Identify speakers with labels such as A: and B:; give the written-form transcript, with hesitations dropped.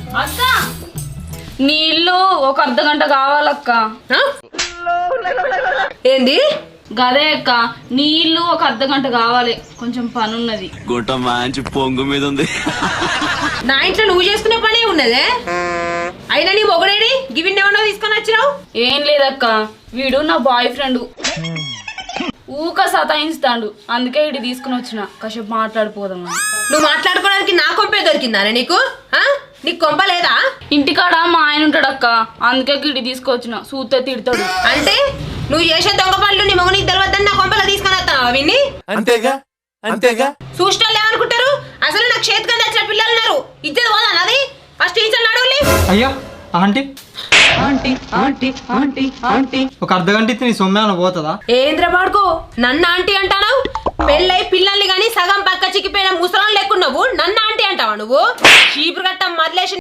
A: అక్క నీళ్ళు ఒక అర్ధ గంట కావాలక్క.
B: ఏంది
A: గదే అక్క, నీళ్ళు ఒక అర్ధ గంట కావాలి, కొంచెం పని ఉన్నది.
C: గుట్ట మంచి పొంగు మీద ఉంది.
B: నా ఇంట్లో నువ్వు చేసుకునే పనే ఉన్నదే. అయినా నీ మొగడేడి గివిన్ ఏమన్నా తీసుకొని వచ్చినావు?
A: ఏం లేదక్క, వీడు నా బాయ్ ఫ్రెండ్, ఊక సతాయిస్తాడు, అందుకే ఇటు తీసుకుని వచ్చిన కాసేపు మాట్లాడిపోదామని.
B: నువ్వు మాట్లాడుకోవడానికి నా కొంపే దొరికిందానే నీకు? నీకు కొంప లేదా?
A: ఇంటికాడ మా ఆయన ఉంటాడక్క, అందుకే ఇటు తీసుకొచ్చిన, సూతే తిడతాడు.
B: అంటే నువ్వు చేసే దొంగ పనులు నీ మొగ నీకు తెలియద్దని నా కొంపలో తీసుకొని వస్తావా విన్ని?
C: అంతేగా అంతేగా.
B: చూసినాళ్ళు ఏమనుకుంటారు? అసలు నాకు చేతికి వచ్చిన పిల్లలు ఉన్నారు, ఇచ్చేది పోదా నాది? ఫస్ట్ టీచర్ అడవులి.
D: అయ్యా ఆంటీ ఒక అర్ధ గంట ఇస్తే నీ సొమ్మే పోతుందా?
B: ఏంద్ర పాడుకో నన్ను ఆంటీ అంటావు? పెళ్ళై పిల్లల్ని గాని సగం పక్క చిక్కిపోయిన ముసలం లేకున్నావు నన్ను ఆంటీ అంటావా నువ్వు? చీపురు గట్ట మదిలేసి